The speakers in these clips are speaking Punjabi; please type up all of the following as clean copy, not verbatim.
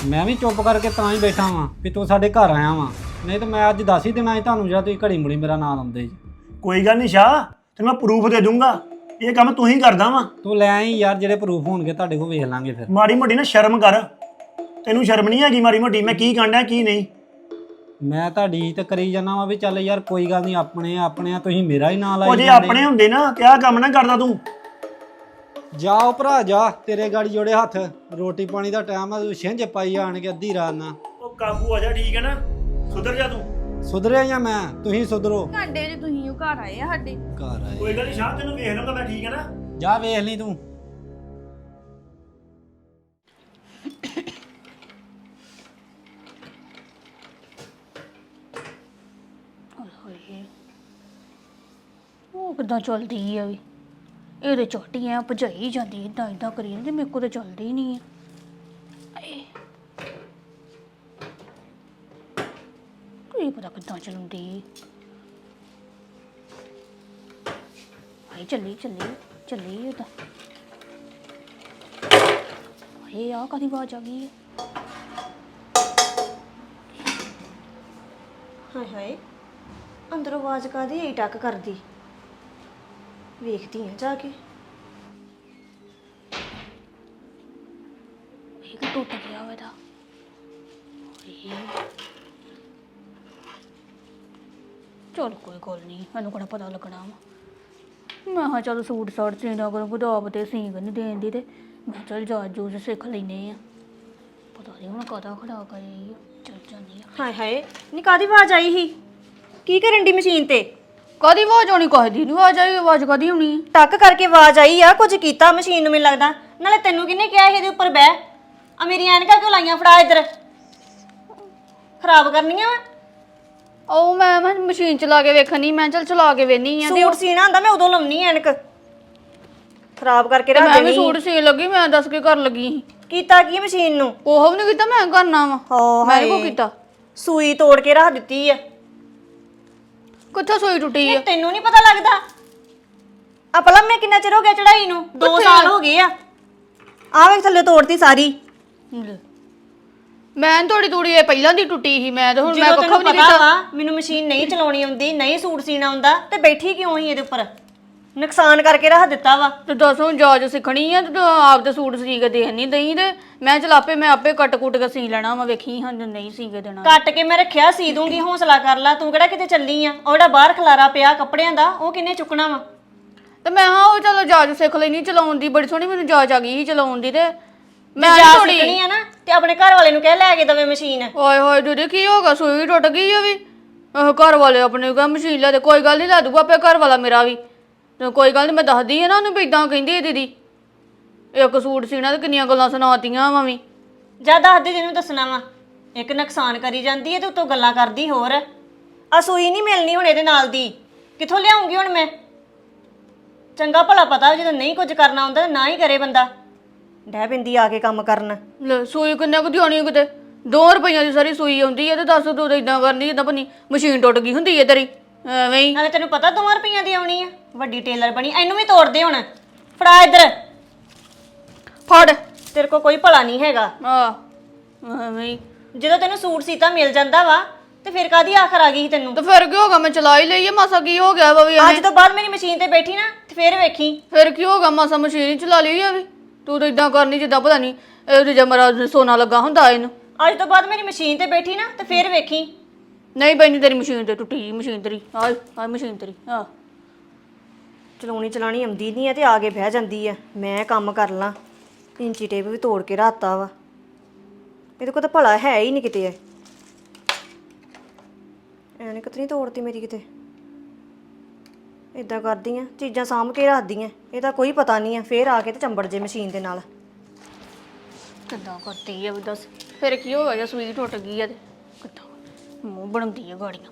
ਮੈਂ ਵੀ ਚੁੱਪ ਕਰਕੇ ਤਾਂ ਹੀ ਬੈਠਾ ਵਾਂ ਵੀ ਤੂੰ ਸਾਡੇ ਘਰ ਆਇਆ ਵਾਂ, ਨਹੀਂ ਤਾਂ ਮੈਂ ਅੱਜ ਦੱਸ ਹੀ ਦੇਣਾ ਸੀ ਤੁਹਾਨੂੰ ਜਿਹੜਾ ਤੁਸੀਂ ਘੜੀ ਮੁੜੀ ਮੇਰਾ ਨਾਂ ਲਾਉਂਦੇ ਜੀ। ਕੋਈ ਗੱਲ ਨਹੀਂ ਸ਼ਾਹ, ਤੈਨੂੰ ਮੈਂ ਪ੍ਰੂਫ ਦੇ ਦੂੰਗਾ। ਇਹ ਕੰਮ ਤੂੰ ਹੀ ਕਰਦਾ ਵਾ। ਤੂੰ ਲੈ ਆਈ ਯਾਰ, ਜਿਹੜੇ ਪ੍ਰੂਫ ਹੋਣਗੇ ਤੁਹਾਡੇ ਕੋਲ ਵੇਖ ਲਾਂਗੇ ਫਿਰ। ਮਾੜੀ ਮੋਟੀ ਨਾ ਸ਼ਰਮ ਕਰ, ਤੈਨੂੰ ਸ਼ਰਮ ਨਹੀਂ ਹੈਗੀ ਮਾੜੀ ਮੋਟੀ? ਮੈਂ ਕੀ ਕਾਂਡਿਆ ਕੀ ਨਹੀਂ। ਮੈਂ ਤੁਹਾਡੀ ਇੱਜ਼ਤ ਕਰੀ ਜਾਂਦਾ ਵਾਂ ਵੀ ਚੱਲ ਯਾਰ ਕੋਈ ਗੱਲ ਨਹੀਂ, ਆਪਣੇ ਆਪਣੇ ਆ, ਤੁਸੀਂ ਮੇਰਾ ਹੀ ਨਾਂ ਉਹ ਲਾਈ ਜੇ ਜਾਂਦੇ। ਆਪਣੇ ਹੁੰਦੇ ਨਾ ਤੇ ਆਹ ਕੰਮ ਨਾ ਕਰਦਾ ਤੂੰ। ਜਾਓ ਭਰਾ ਜਾ, ਤੇਰੇ ਗਾੜੀ ਜੋੜੇ ਹੱਥ, ਰੋਟੀ ਪਾਣੀ ਦਾ ਟਾਈਮ ਆ, ਤੂੰ ਛਿੰਝ ਪਾਈ ਆਣ ਕੇ ਅੱਧੀ ਰਾਤ ਨਾਲ। ਉਹ ਕਾਬੂ ਆ ਜਾ, ਠੀਕ ਹੈ ਨਾ? ਸੁਧਰ ਜਾ ਤੂੰ। ਸੁਧਰਿਆ ਜਾਂ ਮੈਂ? ਤੁਸੀਂ ਸੁਧਰੋ। ਘੰਟੇ ਚ ਤੁਸੀਂ ਉਹ ਘਰ ਆਏ ਆ ਸਾਡੇ। ਘਰ ਆਏ ਕੋਈ ਗੱਲ ਨਹੀਂ ਸ਼ਾਹ, ਤੈਨੂੰ ਵੇਖ ਲਵਾਂਗਾ ਮੈਂ, ਠੀਕ ਹੈ ਨਾ? ਜਾ ਵੇਖ ਲਈ ਤੂੰ। ਹੋਏ ਉਹ ਕਿੱਦਾਂ ਚੱਲਦੀ ਆ ਵੀ, ਇਹਦੇ ਚੋਟੀਆਂ ਭਜਾਈ ਜਾਂਦੀ ਇਦਾਂ ਇਦਾਂ ਕਰੀ ਜਾਂਦੀ, ਮੇਰੇ ਕੋਲ ਤਾਂ ਚੱਲਦੀ ਨਹੀਂ ਆ। ਇਹ ਪਤਾ ਕਿੱਦਾਂ ਚਲਾਉਂਦੀ। ਆਈ ਚੱਲੀ ਚੱਲੀ ਚੱਲੀ ਉਹਦਾ। ਇਹ ਆ ਕਾਹਦੀ ਆਵਾਜ਼ ਆ ਗਈ ਹੈ? ਹਾਏ ਹਾਏ, ਅੰਦਰੋਂ ਆਵਾਜ਼ ਕਾਦੀ ਈ ਟੱਕ ਕਰਦੀ। ਵੇਖਦੀ ਆ ਜਾ ਕੇ। ਇਹ ਕਿ ਟੁੱਟ ਗਿਆ ਵਾ ਇਹਦਾ। ਚਲ ਕੋਈ ਗੱਲ ਨਹੀਂ, ਮੈਨੂੰ ਕਿਹੜਾ ਪਤਾ ਲੱਗਣਾ ਵਾ। ਮੈਂ ਹਾਂ ਚਲ ਸੂਟ ਸਾਟ ਸੀਨਾ ਕਰੋ, ਗੁਦਾਬ ਤੇ ਸੀਂਗ ਨਹੀਂ ਦੇਣ ਦੀ, ਤੇ ਮੈਂ ਚਲ ਜਾਚ ਜੂਜ ਸਿੱਖ ਲੈਨੇ ਆ। ਪਤਾ ਨਹੀਂ ਹੁਣ ਕਾਹਦਾ ਖੜਾ ਕਰੇ। ਚੱਲ ਜਾਂਦੀ ਆ। ਹਾਏ ਹਾਏ, ਨੀ ਕਾਦੀ ਆਵਾਜ਼ ਆਈ ਸੀ? ਕੀ ਕਰਨ ਦੀ ਮਸ਼ੀਨ ਤੇ? ਕਾਹਦੀ ਆਵਾਜ਼ ਆਉਣੀ? ਕਾਹਦੀ ਨਹੀਂ ਆਵਾਜ਼ ਆਈ? ਆਵਾਜ਼ ਕਾਹਦੀ ਆਉਣੀ? ਟੱਕ ਕਰਕੇ ਆਵਾਜ਼ ਆਈ ਆ, ਕੁਝ ਕੀਤਾ ਮਸ਼ੀਨ ਨੂੰ ਮੈਨੂੰ ਲੱਗਦਾ। ਨਾਲੇ ਤੈਨੂੰ ਕਿਹਨੇ ਕਿਹਾ ਸੀ ਇਹਦੇ ਉੱਪਰ ਬਹਿ? ਆ ਮੇਰੀ ਐਨਕਾਂ ਕਿਉਂ ਲਾਈਆਂ? ਫੜਾ ਇੱਧਰ, ਖਰਾਬ ਕਰਨੀਆਂ ਵਾ। ਉਹ ਮੈਂ ਮਸ਼ੀਨ ਚਲਾ ਕੇ ਵੇਖਣੀ, ਮੈਂ ਚਲ ਚਲਾ ਕੇ ਵੇਨੀ ਆ। ਸੂਟ ਸੀਣਾ ਹੁੰਦਾ ਮੈਂ ਉਦੋਂ ਲਾਉਣੀ ਐਨਕ, ਖਰਾਬ ਕਰਕੇ ਤੇ ਰੱਖ ਮੈਂ ਵੀ ਦੇਣੀ। ਸੂਟ ਸੀਨ ਲੱਗੀ, ਮੈਂ ਦੱਸ ਕੇ ਕਰਨ ਲੱਗੀ ਸੀ। ਕੀਤਾ ਕੀ ਮਸ਼ੀਨ ਨੂੰ? ਉਹ ਵੀ ਨਹੀਂ ਕੀਤਾ, ਮੈਂ ਕਰਨਾ ਵਾ। ਹਾਂ ਮੈਂ ਕੋ ਕੀਤਾ? ਸੂਈ ਤੋੜ ਕੇ ਰੱਖ ਦਿੱਤੀ ਆ। ਕਿੱਥੋਂ ਸੂਈ ਟੁੱਟੀ ਆ? ਤੈਨੂੰ ਨਹੀਂ ਪਤਾ ਲੱਗਦਾ? ਆ ਭਲਾ ਮੈਂ ਕਿੰਨਾ ਚਿਰ ਹੋ ਗਿਆ ਚੜਾਈ ਨੂੰ? 2 ਸਾਲ ਹੋ ਗਏ ਆ। ਆ ਵੇਖ ਥੱਲੇ ਤੋੜਤੀ ਸਾਰੀ। ਲੈ, ਮੈਂ ਥੋੜੀ ਥੋੜੀ ਇਹ ਪਹਿਲਾਂ ਦੀ ਟੁੱਟੀ ਸੀ, ਮੈਂ ਤਾਂ ਹੁਣ ਮੈਂ ਜਦੋਂ ਕੱਖੋਂ ਤੈਨੂੰ ਵੀ ਨਹੀਂ ਪਤਾ ਕੀਤਾ। ਵਾ ਮੈਨੂੰ ਮਸ਼ੀਨ ਨਹੀਂ ਚਲਾਉਣੀ ਆਉਂਦੀ, ਨਹੀਂ ਸੂਟ ਸੀਣਾ ਆਉਂਦਾ, ਤੇ ਬੈਠੀ ਕਿਉਂ ਹੀ ਇਹਦੇ ਉੱਪਰ? ਨੁਕਸਾਨ ਕਰਕੇ ਰੱਖ ਦਿੱਤਾ ਵਾ। ਤੇ ਦੱਸ ਹੁਣ ਜਾਜ ਸਿੱਖਣੀ ਆ ਤੇ ਆਪ ਦੇ ਸੂਟ ਸੀ ਕੇ ਦੇਣ ਨਹੀਂ ਦਈ, ਤੇ ਮੈਂ ਚਲ ਮੈਂ ਆਪੇ ਕੱਟ ਕੁੱਟ ਕੇ ਸੀ ਲੈਣਾ ਵਾ। ਵੇਖੀ ਹਾਂ ਨਹੀਂ ਸੀ ਕੇ ਦੇਣਾ। ਕੱਟ ਕੇ ਮੈਂ ਰੱਖਿਆ, ਸੀ ਦੂੰਗੀ, ਹੌਸਲਾ ਕਰ ਲੈ। ਤੂੰ ਕਿਹੜਾ ਕਿਤੇ ਚੱਲੀ ਆ? ਉਹ ਜਿਹੜਾ ਬਾਹਰ ਖਲਾਰਾ ਪਿਆ ਕੱਪੜਿਆਂ ਦਾ, ਉਹ ਕਿੰਨੇ ਚੁੱਕਣਾ ਵਾ? ਤੇ ਮੈਂ ਹਾਂ ਉਹ ਚਲੋ ਜਾਜ ਸਿੱਖ ਲੈਣੀ ਚਲਾਉਣ ਦੀ, ਬੜੀ ਸੋਹਣੀ ਮੈਨੂੰ ਜਾਜ ਆ ਗਈ ਸੀ ਚਲਾਉਣ ਦੀ। ਤੇ ਮੈਂ ਜਾ ਥੋੜੀ ਸਿੱਖਣੀ ਆ ਨਾ ਤੇ ਆਪਣੇ ਘਰ ਵਾਲੇ ਨੂੰ ਕਹਿ ਲੈ ਕੇ ਦਵੇ ਮਸ਼ੀਨ। ਓਏ ਹੋਏ ਦੀਦੀ ਕੀ ਹੋ ਗਿਆ? ਸੂਈ ਟੁੱਟ ਗਈ ਆ ਵੀ। ਉਹ ਘਰ ਵਾਲੇ ਆਪਣੇ ਕਾ ਮਸ਼ੀਨ ਲੈ ਦੇ। ਕੋਈ ਗੱਲ ਨਹੀਂ, ਲੈ ਦੂਗਾ ਆਪੇ ਘਰ ਵਾਲਾ ਮੇਰਾ ਵੀ। ਤੇ ਕੋਈ ਗੱਲ ਨਹੀਂ, ਮੈਂ ਦੱਸਦੀ ਆ ਨਾ ਉਹਨੂੰ ਵੀ ਇਦਾਂ ਕਹਿੰਦੀ ਦੀਦੀ। ਇੱਕ ਸੂਟ ਸੀਣਾ ਤੇ ਕਿੰਨੀਆਂ ਗੱਲਾਂ ਸੁਣਾਤੀਆਂ ਵਾ ਵੀ। ਜਾ ਦੱਸ ਦੇ ਜਿਹਨੂੰ ਦੱਸਣਾ ਵਾ। ਇੱਕ ਨੁਕਸਾਨ ਕਰੀ ਜਾਂਦੀ ਹੈ ਤੇ ਉੱਤੋਂ ਗੱਲਾਂ ਕਰਦੀ ਹੋਰ। ਆ ਸੂਈ ਨਹੀਂ ਮਿਲਣੀ ਹੁਣ ਇਹਦੇ ਨਾਲ ਦੀ, ਕਿੱਥੋਂ ਲਿਆਉਂਗੀ ਹੁਣ ਮੈਂ? ਚੰਗਾ ਭਲਾ ਪਤਾ ਜਦੋਂ ਨਹੀਂ ਕੁਝ ਕਰਨਾ ਹੁੰਦਾ ਨਾ ਹੀ ਕਰੇ ਬੰਦਾ। ਡਹਿ ਪੈਂਦੀ ਆ ਕੇ ਕੰਮ ਕਰਨ। ਲੈ ਸੂਈ ਕਿੰਨੇ ਕੁ ਦੀ ਆਉਣੀ ਕਿਤੇ? 2 ਰੁਪਈਆਂ ਦੀ ਸਾਰੀ ਸੂਈ ਆਉਂਦੀ ਹੈ, ਤੇ ਦੱਸ ਤੂੰ ਤਾਂ ਇਦਾਂ ਕਰਨੀ ਜਿੱਦਾਂ ਭੰਨੀ ਮਸ਼ੀਨ ਟੁੱਟ ਗਈ ਹੁੰਦੀ ਹੈ ਤੇਰੀ। ਐਵੇਂ ਹੀ। ਨਾਲੇ ਤੈਨੂੰ ਪਤਾ 2 ਰੁਪਈਆਂ ਦੀ ਆਉਣੀ ਆ? ਵੱਡੀ ਟੇਲਰ ਬਣੀ। ਇਹਨੂੰ ਵੀ ਤੋੜ ਦੇ ਹੁਣ। ਫੜਾ ਇੱਧਰ। ਫੜ। ਤੇਰੇ ਕੋਲ ਕੋਈ ਭਲਾ ਨਹੀਂ ਹੈਗਾ। ਐਵੇਂ ਹੀ। ਜਦੋਂ ਤੈਨੂੰ ਸੂਟ ਸੀਤਾ ਮਿਲ ਜਾਂਦਾ ਵਾ ਤੇ ਫਿਰ ਕਾਦੀ ਆਖਰ ਆ ਗਈ ਸੀ ਤੈਨੂੰ? ਤੇ ਫਿਰ ਕੀ ਹੋਗਾ? ਮੈਂ ਚਲਾ ਹੀ ਲਈ ਆ, ਮਾਸਾ ਕੀ ਹੋ ਗਿਆ ਵਾ ਵੀ? ਅੱਜ ਤੋਂ ਬਾਅਦ ਮੇਰੀ ਮਸ਼ੀਨ ਤੇ ਬੈਠੀ ਨਾ ਤੇ ਫਿਰ ਵੇਖੀ। ਫਿਰ ਕੀ ਹੋਗਾ? ਮਾਸਾ ਮਸ਼ੀਨ ਹੀ ਚਲਾ ਲਈ ਆ ਵੀ। ਤੂੰ ਤਾਂ ਇਦਾਂ ਕਰਨੀ ਜਿੱਦਾਂ ਪਤਾ ਨਹੀਂ ਇਹ ਜਮਰਾ ਸੋਨਾ ਲੱਗਾ ਹੁੰਦਾ ਇਹਨੂੰ। ਅੱਜ ਤੋਂ ਬਾਅਦ ਮੇਰੀ ਮਸ਼ੀਨ ਤੇ ਬੈਠੀ ਨਾ ਤੇ ਫਿਰ ਵੇਖੀ। ਨਹੀਂ ਬੈਣੀ ਤੇਰੀ ਮਸ਼ੀਨ ਤੇ ਟੁੱਟੀ ਮਸ਼ੀਨ ਤੇਰੀ। ਆ ਮਸ਼ੀਨ ਤੇਰੀ। ਚਲਾਉਣੀ ਚਲਾਣੀ ਆਉਂਦੀ ਨਹੀਂ ਆ ਤੇ ਆ ਕੇ ਬਹਿ ਜਾਂਦੀ ਆ। ਮੈਂ ਕੰਮ ਕਰ ਲਾਂ। ਇੰਚੀ ਟੇਪ ਵੀ ਤੋੜ ਕੇ ਰਾਤਾ ਵਾ। ਇਹਦੇ ਕੋਲ ਤਾਂ ਭਲਾ ਹੈ ਹੀ ਨਹੀਂ ਕਿਤੇ। ਐਨੇ ਕਿਤਨੀ ਤੋੜਤੀ ਮੇਰੀ ਕਿਤੇ। ਇਦਾਂ ਕਰਦੀ ਆ, ਚੀਜ਼ਾਂ ਸਾਂਭ ਕੇ ਰੱਖਦੀ ਆ। ਇਹਦਾ ਕੋਈ ਪਤਾ ਨਹੀਂ ਆ, ਫੇਰ ਆ ਕੇ ਤੇ ਚੰਬੜ ਜੇ ਮਸ਼ੀਨ ਦੇ ਨਾਲ। ਕਿੱਦਾਂ ਕਰਦੀ ਆ ਵੀ ਦੱਸ? ਫਿਰ ਕੀ ਹੋਇਆ ਜੇ ਸੂਈ ਟੁੱਟ ਗਈ ਆ ਤੇ ਕਿੱਦਾਂ ਮੂੰਹ ਬਣਾਉਂਦੀ ਆ ਗਾੜੀਆਂ।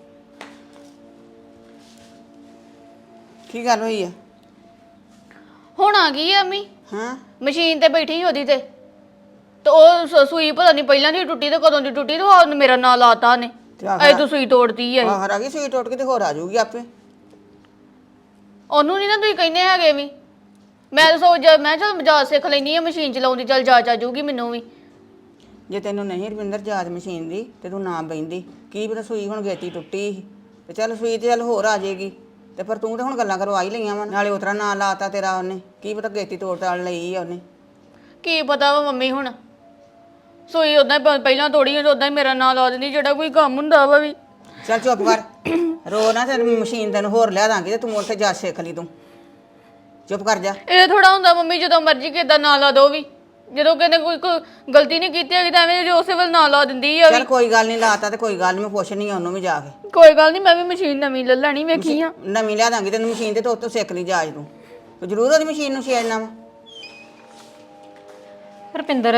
ਕੀ ਗੱਲ ਹੋਈ ਆ? ਹੁਣ ਆ ਗਈ ਆ ਅੰਮੀ। ਹਾਂ, ਮਸ਼ੀਨ ਤੇ ਬੈਠੀ ਸੀ ਉਹਦੀ ਤੇ ਉਹ ਸੂਈ ਪਤਾ ਨਹੀਂ ਪਹਿਲਾਂ ਦੀ ਟੁੱਟੀ ਤੇ ਕਦੋਂ ਦੀ ਟੁੱਟੀ, ਤੇ ਉਹ ਮੇਰਾ ਨਾਂ ਲਾਤਾ ਉਹਨੇ। ਐ ਤੂੰ ਸੂਈ ਤੋੜਦੀ ਆ। ਬਾਹਰ ਆ ਗਈ ਸੂਈ ਟੁੱਟ ਕੇ ਤੇ ਹੋਰ ਆ ਜਾਊਗੀ ਆਪੇ। ਉਹਨੂੰ ਨਹੀਂ ਨਾ ਤੁਸੀਂ ਕਹਿੰਦੇ ਹੈਗੇ ਵੀ। ਮੈਂ ਤਾਂ ਮੈਂ ਚਲ ਮਜਾਜ ਸਿੱਖ ਲੈਣੀ ਆ ਮਸ਼ੀਨ ਚਲਾਉਂਦੀ, ਚੱਲ ਜਾ ਜਾਊਗੀ ਮੈਨੂੰ ਵੀ। ਜੇ ਤੈਨੂੰ ਨਹੀਂ ਰਵਿੰਦਰ ਜਾਚ ਮਸ਼ੀਨ ਦੀ ਤੇ ਤੂੰ ਨਾ ਬੈਂਦੀ ਕੀ ਪਤਾ ਸੂਈ ਹੁਣ ਗੇਤੀ ਟੁੱਟੀ ਸੀ ਤੇ ਚੱਲ ਸੂਈ ਤੇ ਚੱਲ ਹੋਰ ਆ ਜਾਏਗੀ ਤੇ ਪਰ ਤੂੰ ਤਾਂ ਹੁਣ ਗੱਲਾਂ ਕਰਵਾ ਹੀ ਲਈਆਂ ਵਾ ਨਾਲੇ ਉਤਰਾ ਨਾਂ ਲਾਤਾ ਤੇਰਾ ਉਹਨੇ ਕੀ ਪਤਾ ਗੇਤੀ ਤੋੜ ਤਾੜ ਲਈ ਆ ਉਹਨੇ ਕੀ ਪਤਾ ਵਾ ਮੰਮੀ ਹੁਣ ਸੋਈ ਉਦਾਂ ਪਹਿਲਾਂ ਤੋੜੀ ਉਦਾਂ ਹੀ ਮੇਰਾ ਨਾਂ ਲਾ ਦਿੰਦੀ ਜਿਹੜਾ ਕੋਈ ਕੰਮ ਹੁੰਦਾ ਵਾ ਵੀ ਚੱਲ ਚੁੱਪ ਕਰ ਰੋ ਨਾ ਤੇ ਮਸ਼ੀਨ ਤੈਨੂੰ ਹੋਰ ਲਿਆ ਦਾਂਗੀ ਤੇ ਤੂੰ ਉੱਥੇ ਜਾ ਸਿੱਖ ਲਈ ਤੂੰ ਚੁੱਪ ਕਰ ਜਾ ਇਹ ਥੋੜਾ ਹੁੰਦਾ ਮੰਮੀ ਜਦੋਂ ਮਰਜ਼ੀ ਕਿਦਾਂ ਨਾਂ ਲਾ ਦੋ ਵੀ ਜਦੋਂ ਕਹਿੰਦੇ ਕੋਈ ਗਲਤੀ ਨਹੀਂ ਕੀਤੀ ਹੈਗੀ ਤਾਂ ਐਵੇਂ ਜੋ ਉਸੇ ਵੇਲੇ ਨਾਂ ਲਾ ਦਿੰਦੀ ਆ ਚੱਲ ਕੋਈ ਗੱਲ ਨਹੀਂ ਲਾਤਾ ਤੇ ਕੋਈ ਗੱਲ ਨਹੀਂ ਮੈਂ ਪੁੱਛਣੀ ਆ ਉਹਨੂੰ ਵੀ ਜਾ ਕੇ ਕੋਈ ਗੱਲ ਨਹੀਂ ਮੈਂ ਵੀ ਮਸ਼ੀਨ ਨਵੀਂ ਲੈ ਲੈਣੀ ਵੇਖੀ ਆ ਨਵੀਂ ਲਿਆ ਦਾਂਗੀ ਤੈਨੂੰ ਮਸ਼ੀਨ ਤੇ ਤੂੰ ਉੱਤੋਂ ਸਿੱਖ ਲਈ ਜਾਜ ਤੂੰ ਜ਼ਰੂਰ ਉਹਦੀ ਮਸ਼ੀਨ ਨੂੰ ਛੇੜਨਾ ਵਾ ਰੁਪਿੰਦਰ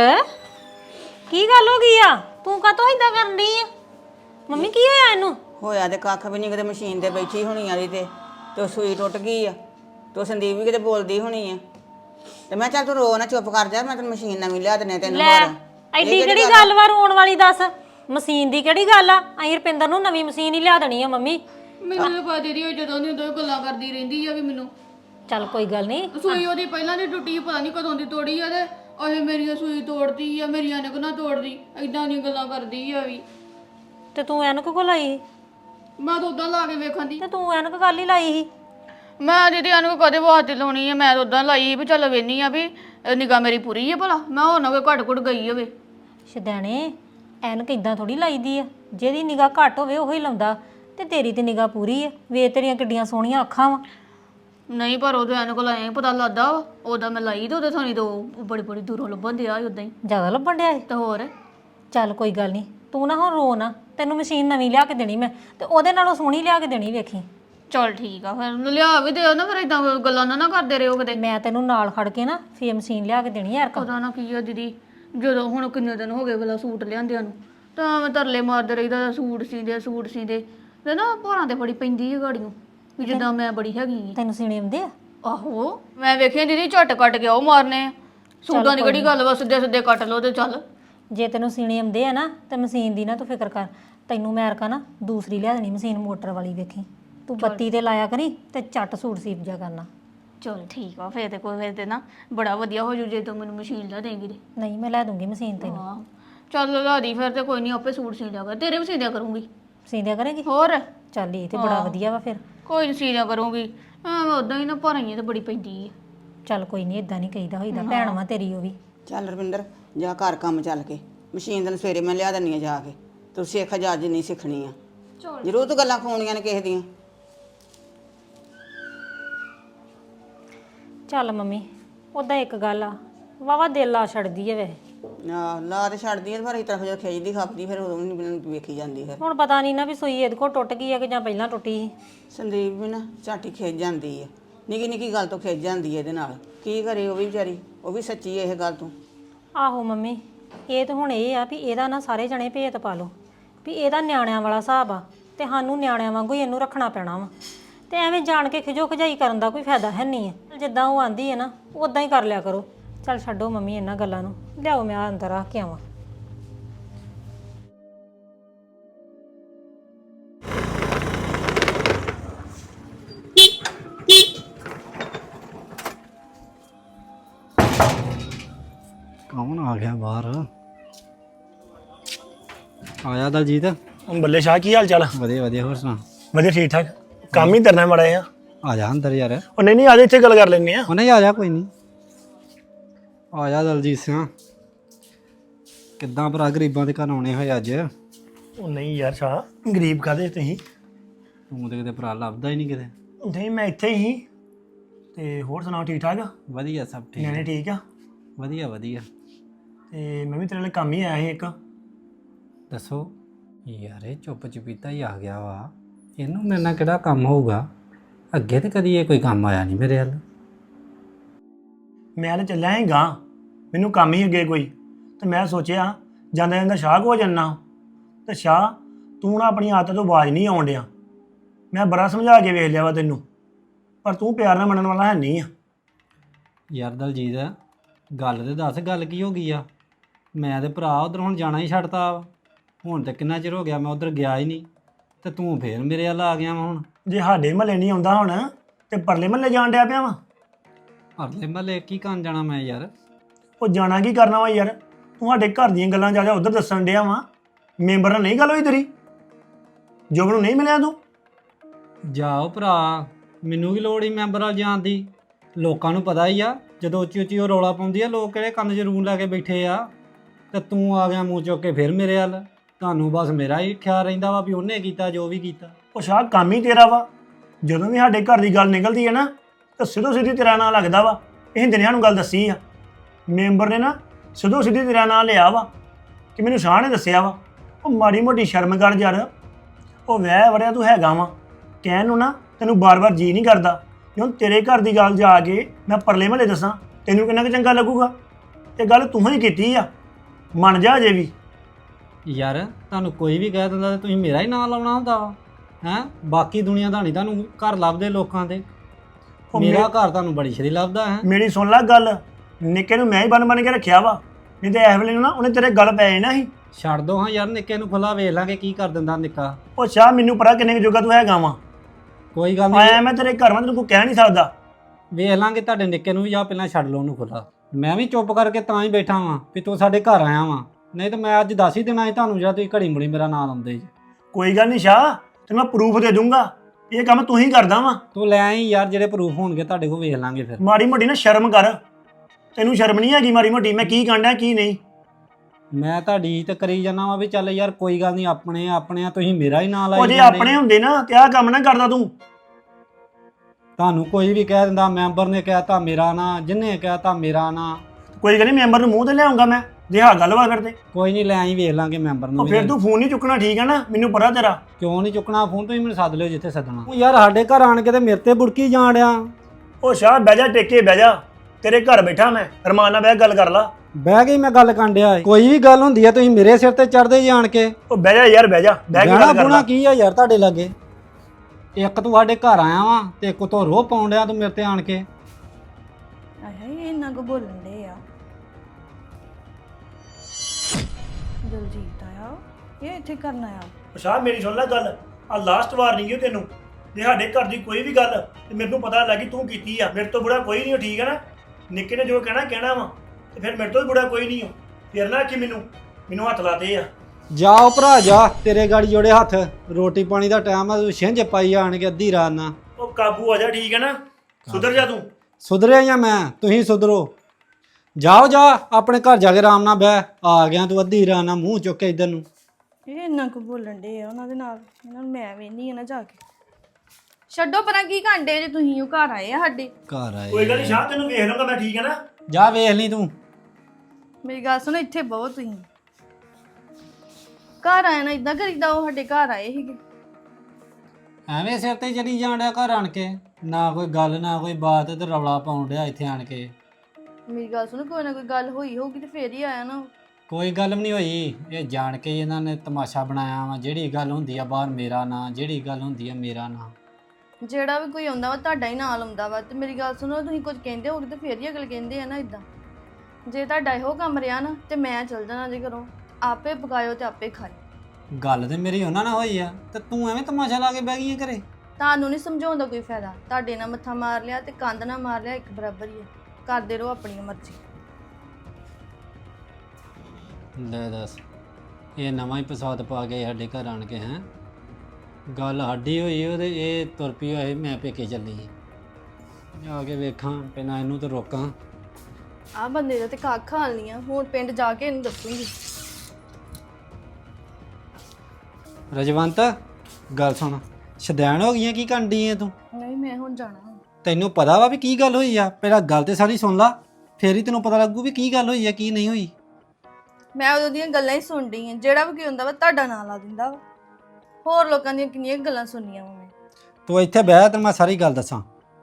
ਕੀ ਗੱਲ ਹੋ ਗਈ ਆ ਤੂੰ ਕਾਹਤੋਂ ਇਦਾਂ ਕਰਨ ਡਈ ਆ ਮੰਮੀ ਕੀ ਹੋਇਆ ਇਹਨੂੰ ਹੋਇਆ ਤੇ ਕੱਖ ਵੀ ਨਹੀਂ ਕਿਤੇ ਮਸ਼ੀਨ ਤੇ ਬੈਠੀ ਹੋਣੀ ਆ ਦੀ ਤੇ ਉਹ ਸੂਈ ਟੁੱਟ ਗਈ ਆ ਤੇ ਉਹ ਸੰਦੀਪ ਵੀ ਕਿਤੇ ਬੋਲਦੀ ਹੋਣੀ ਆ ਤੇ ਮੈਂ ਚੱਲ ਤੂੰ ਰੋ ਨਾ ਚੁੱਪ ਕਰ ਜਾ ਮੈਂ ਤੈਨੂੰ ਮਸ਼ੀਨ ਨਵੀਂ ਲਿਆ ਦਿੰਨੇ ਤੈਨੂੰ ਲੈ ਹੋਰ ਐਡੀ ਕਿਹੜੀ ਗੱਲ ਵਾ ਰੋਣ ਵਾਲੀ ਦੱਸ ਮਸ਼ੀਨ ਦੀ ਕਿਹੜੀ ਗੱਲ ਆ ਅਸੀਂ ਰੁਪਿੰਦਰ ਨੂੰ ਨਵੀਂ ਮਸ਼ੀਨ ਹੀ ਲਿਆ ਦੇਣੀ ਆ ਮੰਮੀ ਮੈਨੂੰ ਤਾਂ ਪਤਾ ਦੀ ਜਦੋਂ ਨਹੀਂ ਉਦੋਂ ਗੱਲਾਂ ਕਰਦੀ ਰਹਿੰਦੀ ਆ ਵੀ ਮੈਨੂੰ ਚੱਲ ਕੋਈ ਗੱਲ ਨਹੀਂ ਸੂਈ ਉਹਦੀ ਪਹਿਲਾਂ ਦੀ ਟੁੱਟੀ ਪਤਾ ਨਹੀਂ ਕਦੋਂ ਦੀ ਤੋੜੀ ਆ ਤੇ ਉਹ ਮੇਰੀਆਂ ਸੂਈ ਤੋੜਦੀ ਆ ਮੇਰੀਆਂ ਨੇ ਨਾ ਤੋੜਦੀ ਐਦਾਂ ਦੀਆਂ ਗੱਲਾਂ ਕਰਦੀ ਆ ਵੀ ਤੇ ਤੂੰ ਐਨਕ ਕੋ ਲਾਈ ਮੈਂ ਤਾਂ ਉਦਾਂ ਲਾ ਕੇ ਵੇਖਣ ਦੀ ਤੇ ਤੂੰ ਐਨਕ ਗੱਲ ਹੀ ਲਾਈ ਸੀ ਮੈਂ ਦੀਦੀ ਇਹਨੂੰ ਕਦੇ ਵਾਸਤੇ ਲਾਉਣੀ ਆ ਮੈਂ ਤਾਂ ਉਦਾਂ ਲਾਈ ਵੀ ਚੱਲ ਵੇਨੀ ਆ ਵੀ ਨਿਗਾਹ ਮੇਰੀ ਪੂਰੀ ਆ ਭਲਾ ਮੈਂ ਹੋਰ ਨਾ ਕੋਈ ਘੱਟ ਘੁੱਟ ਗਈ ਹੋਵੇ ਸ਼ਦੈਣੇ ਐਨਕ ਇਦਾਂ ਥੋੜੀ ਲਾਈਦੀ ਆ ਜਿਹਦੀ ਨਿਗਾਹ ਘੱਟ ਹੋਵੇ ਉਹੀ ਲਾਉਂਦਾ ਤੇ ਤੇਰੀ ਤੇ ਨਿਗਾਹ ਪੂਰੀ ਆ ਵੇ ਤੇਰੀਆਂ ਕਿੱਡੀਆਂ ਸੋਹਣੀਆਂ ਅੱਖਾਂ ਵਾ ਨਹੀਂ ਪਰ ਉਹਦੇ ਐਨਕ ਲਾਏ ਪਤਾ ਲੱਗਦਾ ਉਹਦਾ ਮੈਂ ਲਾਈ ਤੇ ਉਹਦੇ ਥਾਣੀ ਤੋਂ ਬੜੀ ਬੜੀ ਦੂਰੋਂ ਲੱਭਣ ਦਿਆ ਉਦਾਂ ਹੀ ਜ਼ਿਆਦਾ ਲੱਭਣ ਡਿਆ ਏ ਤੇ ਹੋਰ ਚੱਲ ਕੋਈ ਗੱਲ ਨਹੀਂ ਤੂੰ ਨਾ ਹੁਣ ਰੋ ਨਾ ਤੈਨੂੰ ਮਸ਼ੀਨ ਨਵੀਂ ਲਿਆ ਕੇ ਦੇਣੀ ਮੈਂ ਤੇ ਉਹਦੇ ਨਾਲੋਂ ਸੋਹਣੀ ਲਿਆ ਕੇ ਦੇਣੀ ਵੇਖੀ ਚਲ ਠੀਕ ਆ ਫਿਰ ਉਹਨੂੰ ਲਿਆ ਵੀ ਦਿਓ ਨਾ ਫਿਰ ਇਦਾਂ ਗੱਲਾਂ ਨਾ ਕਰਦੇ ਰਹੋ ਕਿਤੇ ਮੈਂ ਤੈਨੂੰ ਨਾਲ ਖੜ ਕੇ ਨਾ ਫੇਰ ਮਸ਼ੀਨ ਲਿਆ ਕੇ ਦੇਣੀ ਯਾਰ ਪਤਾ ਨਾ ਕੀ ਆ ਦੀਦੀ ਜਦੋਂ ਹੁਣ ਕਿੰਨੇ ਦਿਨ ਹੋ ਗਏ ਵਾਲਾ ਸੂਟ ਲਿਆਂਦਿਆਂ ਨੂੰ ਤਾਂ ਮੈਂ ਤਰਲੇ ਮਾਰਦੇ ਰਹੀਦਾ ਸੂਟ ਸੀਂਦੇ ਤੇ ਨਾ ਭਾਰਾਂ ਤੇ ਬੜੀ ਪੈਂਦੀ ਹੈ ਗਾੜੀਆਂ ਵੀ ਜਿੱਦਾਂ ਮੈਂ ਬੜੀ ਹੈਗੀ ਆ। ਤੈਨੂੰ ਸੀਣੇ ਆਉਂਦੇ ਆ ਆਹੋ ਮੈਂ ਵੇਖਿਆ ਦੀਦੀ ਝੱਟ ਕੱਟ ਕੇ ਉਹ ਮਾਰਨੇ ਆ ਸੂਟਾਂ ਦੀ ਕਿਹੜੀ ਗੱਲ ਵਾ ਸਿੱਧੇ ਕੱਟ ਲਓ ਤੇ ਚੱਲ ਜੇ ਤੈਨੂੰ ਸੀਣੇ ਆਉਂਦੇ ਆ ਨਾ ਤੇ ਮਸ਼ੀਨ ਦੀ ਨਾ ਤੂੰ ਫਿਕਰ ਕਰ ਤੈਨੂੰ ਮੈਂ ਅਰਕਾ ਨਾ ਦੂਸਰੀ ਲਿਆ ਦੇਣੀ ਮਸ਼ੀਨ ਮੋਟਰ ਵਾਲੀ ਵੇਖੀ ਤੂੰ ਬੱਤੀ ਤੇ ਲਾਇਆ ਕਰੀ ਤੇ ਝੱਟ ਸੂਟ ਸੀਪ ਜਾ ਕਰਨਾ ਚਲ ਠੀਕ ਆ ਫਿਰ ਤੇ ਨਾ ਬੜਾ ਵਧੀਆ ਹੋ ਜੂ ਜੇ ਤੂੰ ਮੈਨੂੰ ਮਸ਼ੀਨ ਲਾ ਦੇਂਗੀ ਤੇ ਨਹੀਂ ਮੈਂ ਲੈ ਦੂੰਗੀ ਮਸ਼ੀਨ ਤੈਨੂੰ ਹਾਂ ਚੱਲ ਲਾ ਦੀ ਫਿਰ ਤੇ ਕੋਈ ਨਹੀਂ ਆਪੇ ਸੂਟ ਸੀ ਲਿਆ ਕਰ ਤੇਰੇ ਵੀ ਸੀ ਦਿਆ ਕਰੂੰਗੀ ਸੀਂਦਿਆ ਕਰੇਗੀ ਹੋਰ ਚੱਲ ਇਹ ਤੇ ਬੜਾ ਵਧੀਆ ਵਾ ਫਿਰ ਕੋਈ ਨਹੀਂ ਸੀ ਦਿਆ ਕਰੂੰਗੀ ਮੈਂ ਉਦਾਂ ਹੀ ਨਾ ਭਾਰਾਈਆਂ ਤੇ ਬੜੀ ਪੈਂਦੀ ਹੈ ਚੱਲ ਕੋਈ ਨਹੀਂ ਇਦਾਂ ਨਹੀਂ ਕਹੀਦਾ ਹੋਈਦਾ ਭੈਣ ਵਾ ਤੇਰੀ ਉਹ ਵੀ ਚੱਲ ਰਵਿੰਦਰ ਜਾ ਘਰ ਕੰਮ ਚੱਲ ਕੇ ਮਸ਼ੀਨ ਤੈਨੂੰ ਸਵੇਰੇ ਮੈਂ ਲਿਆ ਦਿੰਨੀ ਆ ਜਾ ਕੇ ਤੂੰ ਸਿੱਖ ਜਾ ਜਿੰਨੀ ਸਿੱਖਣੀ ਆ ਜ਼ਰੂਰ ਤੂੰ ਗੱਲਾਂ ਖਵਾਉਣੀਆਂ ਨੇ ਕਿਸੇ ਦੀਆਂ ਚੱਲ ਮੰਮੀ ਉਦਾਂ ਇੱਕ ਗੱਲ ਆ ਵਾਵਾ ਦਿਲ ਆ ਛੱਡਦੀ ਐ ਵੈਸੇ ਲਾ ਤੇ ਛੱਡਦੀ ਆ ਪਰ ਇਸ ਤਰ੍ਹਾਂ ਜਦੋਂ ਖਿੱਚਦੀ ਖੱਪਦੀ ਫਿਰ ਉਦੋਂ ਨਹੀਂ ਵੇਖੀ ਜਾਂਦੀ ਫਿਰ ਹੁਣ ਪਤਾ ਨਹੀਂ ਨਾ ਵੀ ਸੂਈ ਇਹਦੇ ਕੋਲ ਟੁੱਟ ਗਈ ਹੈ ਕਿ ਜਾਂ ਪਹਿਲਾਂ ਟੁੱਟੀ ਸੀ ਸੰਦੀਪ ਵੀ ਨਾ ਝਾਟੀ ਖਿੱਚ ਜਾਂਦੀ ਆ ਨਿੱਕੀ ਨਿੱਕੀ ਗੱਲ ਤੋਂ ਖਿੱਚ ਜਾਂਦੀ ਆ ਇਹਦੇ ਨਾਲ ਕੀ ਕਰੇ ਉਹ ਵੀ ਵਿਚਾਰੀ ਉਹ ਵੀ ਸੱਚੀ ਆ ਇਹ ਗੱਲ ਤੋਂ ਆਹੋ ਮੰਮੀ ਇਹ ਤਾਂ ਹੁਣ ਇਹ ਆ ਵੀ ਇਹਦਾ ਨਾ ਸਾਰੇ ਜਣੇ ਭੇਤ ਪਾ ਲਓ ਵੀ ਇਹਦਾ ਨਿਆਣਿਆਂ ਵਾਲਾ ਹਿਸਾਬ ਆ ਤੇ ਸਾਨੂੰ ਨਿਆਣਿਆਂ ਵਾਂਗੂ ਹੀ ਇਹਨੂੰ ਰੱਖਣਾ ਪੈਣਾ ਵਾ ਤੇ ਐਵੇਂ ਜਾਣ ਕੇ ਖਿਜੋ ਖਜਾਈ ਕਰਨ ਦਾ ਕੋਈ ਫਾਇਦਾ ਹੈ ਨਹੀਂ ਹੈ ਜਿੱਦਾਂ ਉਹ ਆਂਦੀ ਹੈ ਨਾ ਉਦਾਂ ਹੀ ਕਰ ਲਿਆ ਕਰੋ ਚੱਲ ਛੱਡੋ ਮੰਮੀ ਇਹਨਾਂ ਗੱਲਾਂ ਨੂੰ ਲਿਆਓ ਮੈਂ ਅੰਦਰ ਰੱਖ ਕੇ ਆਵਾਂ ਕੌਣ ਆ ਗਿਆ ਬਾਹਰ ਆਇਆ ਦਲਜੀਤ ਬੱਲੇ ਸ਼ਾਹ ਕੀ ਹਾਲ ਚਾਲ ਵਧੀਆ ਵਧੀਆ ਹੋਰ ਸੁਣਾ ਵਧੀਆ ਠੀਕ ਠਾਕ ਕੰਮ ਹੀ ਕਰਨਾ ਮੜਾ ਆ ਆ ਜਾ ਅੰਦਰ ਯਾਰ ਉਹ ਨਹੀਂ ਆ ਜਾ ਇੱਥੇ ਗੱਲ ਕਰ ਲੈਂਦੇ ਆ ਉਹਨੇ ਆ ਜਾ ਕੋਈ ਨਹੀਂ ਆ ਜਾ ਦਲਜੀਤ ਸਿੰਘ ਕਿੱਦਾਂ ਭਰਾ ਗਰੀਬਾਂ ਦੇ ਘਰ ਆਉਣੇ ਹੋਏ ਅੱਜ ਉਹ ਨਹੀਂ ਯਾਰ ਸ਼ਾਹ ਗਰੀਬ ਕਾਦੇ ਤੁਸੀਂ ਤੂੰ ਤੇ ਕਿਤੇ ਭਰਾ ਲੱਭਦਾ ਹੀ ਨਹੀਂ ਕਿਤੇ ਨਹੀਂ ਮੈਂ ਇੱਥੇ ਹੀ ਤੇ ਹੋਰ ਸੁਣਾਓ ਠੀਕ ਠਾਕ ਆ ਵਧੀਆ ਸਭ ਠੀਕ ਨਿਆਣੇ ਠੀਕ ਆ ਵਧੀਆ ਵਧੀਆ ਤੇ ਮੈਂ ਵੀ ਤੇਰੇ ਲਈ ਕੰਮ ਹੀ ਆਇਆ ਸੀ ਇੱਕ ਦੱਸੋ ਯਾਰ ਇਹ ਚੁੱਪ ਚਪੀਤਾ ਹੀ ਆ ਗਿਆ ਵਾ ਇਹਨੂੰ ਮੇਰੇ ਨਾਲ ਕਿਹੜਾ ਕੰਮ ਹੋਊਗਾ ਅੱਗੇ ਤੇ ਕਦੀ ਇਹ ਕੋਈ ਕੰਮ ਆਇਆ ਨਹੀਂ ਮੇਰੇ ਵੱਲ ਮੈਂ ਤਾਂ ਚੱਲਿਆ ਹੈਗਾ ਮੈਨੂੰ ਕੰਮ ਹੀ ਅੱਗੇ ਕੋਈ ਤੇ ਮੈਂ ਸੋਚਿਆ ਜਾਂਦਾ ਜਾਂਦਾ ਸ਼ਾਹ ਕੋ ਜਾਨਾ ਤੇ ਸ਼ਾਹ ਤੂੰ ਨਾ ਆਪਣੀ ਆਦਤ ਤੋਂ ਬਾਜ ਨਹੀਂ ਆਉਣ ਡਿਆ ਮੈਂ ਬੜਾ ਸਮਝਾ ਕੇ ਵੇਖ ਲਿਆ ਵਾ ਤੈਨੂੰ ਪਰ ਤੂੰ ਪਿਆਰ ਨਾਲ ਮੰਨਣ ਵਾਲਾ ਹੈ ਨਹੀਂ ਆ ਯਾਰ ਦਲਜੀਤ ਗੱਲ ਤੇ ਦੱਸ ਗੱਲ ਕੀ ਹੋ ਗਈ ਆ ਮੈਂ ਤੇ ਭਰਾ ਉਧਰ ਹੁਣ ਜਾਣਾ ਹੀ ਛੱਡਤਾ ਵਾ ਹੁਣ ਤੇ ਕਿੰਨਾ ਚਿਰ ਹੋ ਗਿਆ ਮੈਂ ਉਧਰ ਗਿਆ ਹੀ ਨਹੀਂ ਤੇ ਤੂੰ ਫੇਰ ਮੇਰੇ ਵੱਲ ਆ ਗਿਆ ਵਾ ਹੁਣ ਜੇ ਸਾਡੇ ਮਹੱਲੇ ਨਹੀਂ ਆਉਂਦਾ ਹੁਣ ਤੇ ਪਰਲੇ ਮਹੱਲੇ ਜਾਣ ਡਿਆ ਪਿਆ ਵਾ ਅਰਲੇ ਮਹੱਲੇ ਕੀ ਕਰਨ ਜਾਣਾ ਮੈਂ ਯਾਰ ਉਹ ਜਾਣਾ ਕੀ ਕਰਨਾ ਵਾ ਯਾਰ ਤੂੰ ਸਾਡੇ ਘਰ ਦੀਆਂ ਗੱਲਾਂ ਜਾ ਉਧਰ ਦੱਸਣ ਡਿਆ ਵਾ। ਮੈਂਬਰ ਨਾਲ ਨਹੀਂ ਗੱਲ ਹੋਈ ਤੇਰੀ? ਜੋਬ ਨੂੰ ਨਹੀਂ ਮਿਲਿਆ ਤੂੰ? ਜਾਓ ਭਰਾ, ਮੈਨੂੰ ਕੀ ਲੋੜ ਹੀ ਮੈਂਬਰ ਵੱਲ ਜਾਣ ਦੀ। ਲੋਕਾਂ ਨੂੰ ਪਤਾ ਹੀ ਆ, ਜਦੋਂ ਉੱਚੀ ਉੱਚੀ ਉਹ ਰੌਲਾ ਪਾਉਂਦੀ ਆ ਲੋਕ ਕਿਹੜੇ ਕੰਨ 'ਚ ਰੂੰ ਲੈ ਕੇ ਬੈਠੇ ਆ। ਤੇ ਤੂੰ ਆ ਗਿਆ ਮੂੰਹ ਚੁੱਕ ਕੇ ਫਿਰ ਮੇਰੇ ਵੱਲ। ਤੁਹਾਨੂੰ ਬਸ ਮੇਰਾ ਹੀ ਖਿਆਲ ਰਹਿੰਦਾ ਵਾ ਵੀ ਉਹਨੇ ਕੀਤਾ ਜੋ ਵੀ ਕੀਤਾ। ਉਹ ਸ਼ਾਹ ਕੰਮ ਹੀ ਤੇਰਾ ਵਾ। ਜਦੋਂ ਵੀ ਸਾਡੇ ਘਰ ਦੀ ਗੱਲ ਨਿਕਲਦੀ ਹੈ ਨਾ ਤਾਂ ਸਿੱਧੋ ਸਿੱਧੀ ਤੇਰਾ ਨਾਂ ਲੱਗਦਾ ਵਾ। ਇਹ ਦਿਨਿਆਂ ਨੂੰ ਗੱਲ ਦੱਸੀ ਆ ਮੈਂਬਰ ਨੇ ਨਾ, ਸਿੱਧੋ ਸਿੱਧੀ ਤੇਰਾ ਨਾਂ ਲਿਆ ਵਾ ਕਿ ਮੈਨੂੰ ਸ਼ਾਹ ਨੇ ਦੱਸਿਆ ਵਾ। ਉਹ ਮਾੜੀ ਮੋਟੀ ਸ਼ਰਮ ਕਰ ਯਾਰ। ਉਹ ਵਹਿ ਵੜਿਆ ਤੂੰ ਹੈਗਾ ਵਾ ਕਹਿਣ ਨੂੰ ਨਾ, ਤੈਨੂੰ ਬਾਰ-ਬਾਰ ਜੀ ਨਹੀਂ ਕਰਦਾ ਕਿ ਹੁਣ ਤੇਰੇ ਘਰ ਦੀ ਗੱਲ ਜਾ ਕੇ ਮੈਂ ਪਰਲੇ ਮਹੱਲੇ ਦੱਸਾਂ, ਤੈਨੂੰ ਕਿੰਨਾ ਕੁ ਚੰਗਾ ਲੱਗੂਗਾ। ਇਹ ਗੱਲ ਤੂੰ ਹੀ ਕੀਤੀ ਆ, ਮੰਨ ਜਾ ਅਜੇ ਵੀ। ਯਾਰ ਤੁਹਾਨੂੰ ਕੋਈ ਵੀ ਕਹਿ ਦਿੰਦਾ ਤੇ ਤੁਸੀਂ ਮੇਰਾ ਹੀ ਨਾਂ ਲਾਉਣਾ ਹੁੰਦਾ ਵਾ ਹੈਂ। ਬਾਕੀ ਦੁਨੀਆ ਦਾ ਨਹੀਂ ਤੁਹਾਨੂੰ ਘਰ ਲੱਭਦੇ ਲੋਕਾਂ ਦੇ, ਉਹ ਮੇਰਾ ਘਰ ਤੁਹਾਨੂੰ ਬੜੀ ਛੇਤੀ ਲੱਭਦਾ ਹੈ। ਮੇਰੀ ਸੁਣ ਲੈ ਗੱਲ, ਨਿੱਕੇ ਨੂੰ ਮੈਂ ਹੀ ਬਣ ਕੇ ਰੱਖਿਆ ਵਾ, ਨਹੀਂ ਤੇ ਇਸ ਵੇਲੇ ਨੂੰ ਨਾ ਉਹਨੇ ਤੇਰੇ ਗੱਲ ਪੈ ਜਾਣਾ ਸੀ। ਛੱਡ ਦੋ ਹਾਂ ਯਾਰ, ਨਿੱਕੇ ਨੂੰ ਖੁੱਲਾ ਵੇਖ ਲਾਂਗੇ ਕੀ ਕਰ ਦਿੰਦਾ ਨਿੱਕਾ। ਉਹ ਸ਼ਾਹ ਮੈਨੂੰ ਪਤਾ ਕਿੰਨੇ ਕੁ ਜੋਗਾ ਤੂੰ ਹੈਗਾ ਵਾ। ਕੋਈ ਗੱਲ ਆਇਆ ਨਹੀਂ, ਮੈਂ ਤੇਰੇ ਘਰ ਮੈਂ ਤੈਨੂੰ ਕੋਈ ਕਹਿ ਨਹੀਂ ਸਕਦਾ। ਵੇਖ ਲਾਂਗੇ ਤੁਹਾਡੇ ਨਿੱਕੇ ਨੂੰ ਵੀ। ਜਾਂ ਪਹਿਲਾਂ ਛੱਡ ਲਓ ਉਹਨੂੰ ਖੁੱਲਾ। ਮੈਂ ਵੀ ਚੁੱਪ ਕਰਕੇ ਤਾਂ ਹੀ ਬੈਠਾ ਵਾਂ ਵੀ ਤੂੰ ਸਾਡੇ ਘਰ ਆਇਆ ਵਾਂ, ਨਹੀਂ ਤਾਂ ਮੈਂ ਅੱਜ ਦੱਸ ਹੀ ਦੇਣਾ ਸੀ ਤੁਹਾਨੂੰ ਜਿਹੜਾ ਤੁਸੀਂ ਘੜੀ ਮੁੜੀ ਮੇਰਾ ਨਾਂ ਲਾਉਂਦੇ ਜੀ। ਕੋਈ ਗੱਲ ਨਹੀਂ ਸ਼ਾਹ, ਤੈਨੂੰ ਮੈਂ ਪ੍ਰੂਫ ਦੇ ਦੂੰਗਾ। ਇਹ ਕੰਮ ਤੂੰ ਹੀ ਕਰਦਾ ਵਾ। ਤੂੰ ਲੈ ਆਈ ਯਾਰ, ਜਿਹੜੇ ਪ੍ਰੂਫ ਹੋਣਗੇ ਤੁਹਾਡੇ ਕੋਲ ਵੇਖ ਲਾਂਗੇ ਫਿਰ। ਮਾੜੀ ਮੋਟੀ ਨਾ ਸ਼ਰਮ ਕਰ, ਤੈਨੂੰ ਸ਼ਰਮ ਨਹੀਂ ਹੈਗੀ ਮਾੜੀ ਮੋਟੀ ਮੈਂ ਕੀ ਕਾਂਡਿਆ ਕੀ ਨਹੀਂ। ਮੈਂ ਤੁਹਾਡੀ ਤੇ ਕਰੀ ਜਾਣਾ ਵਾ ਵੀ ਚੱਲ ਯਾਰ ਕੋਈ ਗੱਲ ਨਹੀਂ, ਆਪਣੇ ਆਪਣੇ ਆ, ਤੁਸੀਂ ਮੇਰਾ ਹੀ ਨਾਂ ਉਹ ਲਾਈ ਜੇ ਜਾਂਦੇ। ਆਪਣੇ ਹੁੰਦੇ ਨਾ ਤੇ ਆਹ ਕੰਮ ਨਾ ਕਰਦਾ ਤੂੰ। ਤੁਹਾਨੂੰ ਕੋਈ ਵੀ ਕਹਿ ਦਿੰਦਾ, ਮੈਂਬਰ ਨੇ ਕਹਿਤਾ ਮੇਰਾ ਨਾਂ, ਜਿੰਨੇ ਕਹਿਤਾ ਮੇਰਾ ਨਾਂ। ਕੋਈ ਗੱਲ ਨਹੀਂ, ਮੈਂਬਰ ਨੂੰ ਮੂੰਹ ਤੇ ਲਿਆਉਂਗਾ ਮੈਂ ਜੇ ਹਾਂ ਗੱਲ ਵਾ ਫਿਰ ਤੇ। ਕੋਈ ਨਹੀਂ, ਲੈ ਆਈ ਵੇਖ ਲਾਂਗੇ ਮੈਂਬਰ ਨੂੰ ਉਹ ਵੀ। ਫਿਰ ਤੂੰ ਫੋਨ ਨਹੀਂ ਚੁੱਕਣਾ, ਠੀਕ ਹੈ ਨਾ, ਮੈਨੂੰ ਪਤਾ ਤੇਰਾ। ਕਿਉਂ ਨਹੀਂ ਚੁੱਕਣਾ ਫੋਨ? ਤੁਸੀਂ ਮੈਨੂੰ ਸੱਦ ਲਿਓ ਜਿੱਥੇ ਸੱਦਣਾ। ਉਹ ਯਾਰ ਸਾਡੇ ਘਰ ਆਣ ਕੇ ਤੇ ਮੇਰੇ ਤੇ ਬੁੜਕੀ ਜਾਣ ਡਿਆ। ਉਹ ਸ਼ਾਹ ਬਹਿ ਜਾ, ਟੇਕੇ ਬਹਿ ਜਾ, ਤੇਰੇ ਘਰ ਬੈਠਾ ਮੈਂ, ਰਮਾਨ ਨਾਲ ਬਹਿ ਗੱਲ ਕਰ ਲਾ। ਬਹਿ ਗਈ ਮੈਂ ਗੱਲ ਕਰਨ ਡਿਆ। ਕੋਈ ਵੀ ਗੱਲ ਹੁੰਦੀ ਆ ਤੁਸੀਂ ਮੇਰੇ ਸਿਰ ਤੇ ਚੜਦੇ ਜਾਣ ਕੇ। ਉਹ ਬਹਿ ਜਾ ਯਾਰ, ਬਹਿ ਜਾ, ਬਹਿ ਕੇ ਗਾਣਾ ਗੱਲ ਕਰ ਗੁਣਾ ਲਾ। ਕੀ ਆ ਯਾਰ ਤੁਹਾਡੇ ਲਾਗੇ? ਇੱਕ ਤੂੰ ਸਾਡੇ ਘਰ ਆਇਆ ਵਾ ਤੇ ਇੱਕ ਤੋਂ ਰੋਹ ਪਾਉਣ ਡਿਆ ਤੂੰ ਮੇਰੇ ਤੇ ਆਣ ਕੇ। ਆਹੇ ਇਹ ਇੰਨਾ ਕੁ ਬੋਲਣ ਦੇ ਆ। ਦਲਜੀਤ ਆਇਆ, ਇਹ ਇੱਥੇ ਕਰਨ ਆਇਆ। ਉਹ ਸ਼ਾਹ ਮੇਰੀ ਸੁਣ ਲੈ ਗੱਲ, ਆ ਲਾਸਟ ਵਾਰਨਿੰਗ ਹੈ ਤੈਨੂੰ। ਜੇ ਸਾਡੇ ਘਰ ਦੀ ਕੋਈ ਵੀ ਗੱਲ ਤੇ ਮੈਨੂੰ ਪਤਾ ਲੱਗੀ ਤੂੰ ਕੀਤੀ ਆ, ਮੇਰੇ ਤੋਂ ਬੁਰਾ ਕੋਈ ਨਹੀਂ ਹੋ, ਠੀਕ ਹੈ ਨਾ। ਨਿੱਕੇ ਨੇ ਜੋ ਕਹਿਣਾ ਵਾ, ਤੇ ਫਿਰ ਮੇਰੇ ਤੋਂ ਵੀ ਬੁਰਾ ਕੋਈ ਨਹੀਂ ਹੋ। ਫਿਰ ਨਾ ਕਿ ਮੈਨੂੰ ਹੱਥ ਲਾਤੇ ਆ। ਜਾਓ ਭਰਾ ਜਾ, ਤੇਰੇ ਗਾੜੀ ਜੋੜੇ ਹੱਥ। ਰੋਟੀ ਪਾਣੀ ਦਾ ਟਾਈਮ ਆ, ਤੂੰ ਛਿੰਝ ਪਾਈ ਆਣ ਕੇ ਅੱਧੀ ਰਾਤ ਨਾਲ। ਉਹ ਕਾਬੂ ਆ ਜਾ, ਠੀਕ ਹੈ ਨਾ, ਸੁਧਰ ਜਾ ਤੂੰ। ਸੁਧਰਿਆ ਜਾਂ ਮੈਂ? ਤੁਸੀਂ ਸੁਧਰੋ। ਜਾਓ ਜਾ ਆਪਣੇ ਘਰ ਜਾ ਕੇ ਆਰਾਮ ਨਾਲ ਬਹਿ। ਆ ਗਿਆ ਤੂੰ ਅੱਧੀ ਰਾਤ ਨਾਲ ਮੂੰਹ ਚੁੱਕ ਕੇ ਇੱਧਰ ਨੂੰ। ਇਹ ਇੰਨਾ ਕੁ ਬੋਲਣ ਦੇ ਆ ਉਹਨਾਂ ਦੇ ਨਾਲ। ਇਹਨਾਂ ਨੂੰ ਮੈਂ ਵੇਹਨੀ ਆ ਨਾ ਜਾ ਕੇ। ਛੱਡੋ ਪਰਾਂ, ਕੀ ਕਾਂਡੇ ਜੇ ਤੁਸੀਂ? ਉਹ ਘਰ ਆਏ ਆ ਸਾਡੇ। ਘਰ ਆਏ? ਕੋਈ ਗੱਲ ਨਹੀਂ ਸ਼ਾਹ, ਤੈਨੂੰ ਵੇਖ ਲਵਾਂਗਾ ਮੈਂ, ਠੀਕ ਹੈ ਨਾ। ਜਾ ਵੇਖ ਲਈ ਤੂੰ। ਮੇਰੀ ਗੱਲ ਸੁਣੋ, ਇੱਥੇ ਬਹੁਤ ਤੁਸੀਂ ਘਰ ਆਏ ਨਾ ਇਦਾਂ ਕਰੀਦਾ। ਉਹ ਸਾਡੇ ਘਰ ਆਏ ਸੀਗੇ। ਐਵੇਂ ਸਿਰ ਤੇ ਚੜੀ ਜਾਣ ਡਿਆ ਘਰ ਆਣ ਕੇ। ਨਾ ਕੋਈ ਗੱਲ ਨਾ ਕੋਈ ਬਾਤ, ਤੇ ਰੌਲਾ ਪਾਉਣ ਡਿਆ ਇੱਥੇ ਆਣ ਕੇ। ਮੇਰੀ ਗੱਲ ਸੁਣੋ, ਕੋਈ ਨਾ ਕੋਈ ਗੱਲ ਹੋਈ ਹੋਊਗੀ ਤੇ ਫੇਰ ਹੀ ਆਇਆ ਨਾ। ਕੋਈ ਗੱਲ ਵੀ ਨਹੀਂ ਹੋਈ। ਇਹ ਜਾਣ ਕੇ ਇਹਨਾਂ ਨੇ ਤਮਾਸ਼ਾ ਬਣਾਇਆ ਵਾ। ਜਿਹੜੀ ਗੱਲ ਹੁੰਦੀ ਆ ਬਾਹਰ ਮੇਰਾ ਨਾਂ, ਜਿਹੜੀ ਗੱਲ ਹੁੰਦੀ ਆ ਮੇਰਾ ਨਾਂ। ਜਿਹੜਾ ਵੀ ਕੋਈ ਆਉਂਦਾ ਵਾ ਤੁਹਾਡਾ ਹੀ ਨਾਲ ਆਉਂਦਾ ਵਾ। ਤੇ ਮੇਰੀ ਗੱਲ ਸੁਣੋ, ਤੁਸੀਂ ਕੁਝ ਕਹਿੰਦੇ ਹੋਗੇ ਤੇ ਫੇਰ ਹੀ ਅਗਲੇ ਕਹਿੰਦੇ ਆ ਨਾ ਇਦਾਂ। ਜੇ ਤੁਹਾਡਾ ਇਹੋ ਕੰਮ ਰਿਹਾ ਨਾ ਤੇ ਮੈਂ ਚੱਲ ਜਾਣਾ ਜੇ ਘਰੋਂ। ਆਪੇ ਪਕਾਇਓ ਤੇ ਆਪੇ ਖਾਇਓ। ਗੱਲ ਤੇ ਮੇਰੀ ਉਹਨਾਂ ਨਾਲ ਹੋਈ ਆ ਤੇ ਤੂੰ ਐਵੇਂ ਤਮਾਸ਼ਾ ਲਾ ਕੇ ਬਹਿ ਗਈ ਆ ਘਰੇ। ਤੁਹਾਨੂੰ ਨਹੀਂ ਸਮਝਾਉਣ ਦਾ ਕੋਈ ਫਾਇਦਾ। ਤੁਹਾਡੇ ਨਾਲ ਮੱਥਾ ਮਾਰ ਲਿਆ ਤੇ ਕੰਧ ਨਾਲ ਮਾਰ ਲਿਆ, ਇੱਕ ਬਰਾਬਰ ਹੀ ਹੈ। ਕਰਦੇ ਰਹੋ ਆਪਣੀ ਮਰਜ਼ੀ। ਲੈ ਦੱਸ, ਇਹ ਨਵਾਂ ਹੀ ਪਸਾਦ ਪਾ ਕੇ ਸਾਡੇ ਘਰ ਆਣ ਕੇ। ਹੈਂ, ਗੱਲ ਸਾਡੀ ਹੋਈ ਉਹਦੇ ਇਹ ਤੁਰ ਪਈ ਹੋਏ ਮੈਂ ਪੇਕੇ ਚੱਲੀ। ਜਾ ਕੇ ਵੇਖਾਂ ਪਹਿਲਾਂ ਇਹਨੂੰ ਤੇ ਰੋਕਾਂ। ਆਹ ਬੰਦੇ ਦਾ ਤੇ ਕੱਖ ਹਾਲ ਨਹੀਂ ਆ। ਹੁਣ ਪਿੰਡ ਜਾ ਕੇ ਇਹਨੂੰ ਦੱਸੂਗੀ। ਰਜਵੰਤ ਗੱਲ ਸੁਣ, ਸ਼ਦੈਣ ਹੋ ਗਈਆਂ ਕੀ ਕਰਨ ਡਈ ਐ ਤੂੰ? ਨਹੀਂ, ਮੈਂ ਹੁਣ ਜਾਣਾ। ਤੈਨੂੰ ਪਤਾ ਵਾ ਵੀ ਕੀ ਗੱਲ ਹੋਈ ਆ? ਪਹਿਲਾਂ ਗੱਲ ਤੇ ਸਾਰੀ ਸੁਣ ਲਾ, ਫੇਰ ਹੀ ਤੈਨੂੰ ਪਤਾ ਲੱਗੂ ਵੀ ਕੀ ਗੱਲ ਹੋਈ ਆ ਕੀ ਨਹੀਂ ਹੋਈ। ਮੈਂ ਉਦੋਂ ਦੀਆਂ ਗੱਲਾਂ ਹੀ ਸੁਣ ਰਹੀ ਹਾਂ। ਜਿਹੜਾ ਵੀ ਕੀ ਹੁੰਦਾ ਵਾ ਤੁਹਾਡਾ ਨਾਂ ਲਾ ਦਿੰਦਾ ਵਾ। ਹੋਰ ਲੋਕਾਂ ਦੀਆਂ ਕਿੰਨੀਆਂ ਗੱਲਾਂ ਸੁਣੀਆਂ ਵਾ ਮੈਂ। ਤੂੰ ਇੱਥੇ ਬਹਿ, ਤੈਨੂੰ ਮੈਂ ਸਾਰੀ ਗੱਲ ਦੱਸਾਂ।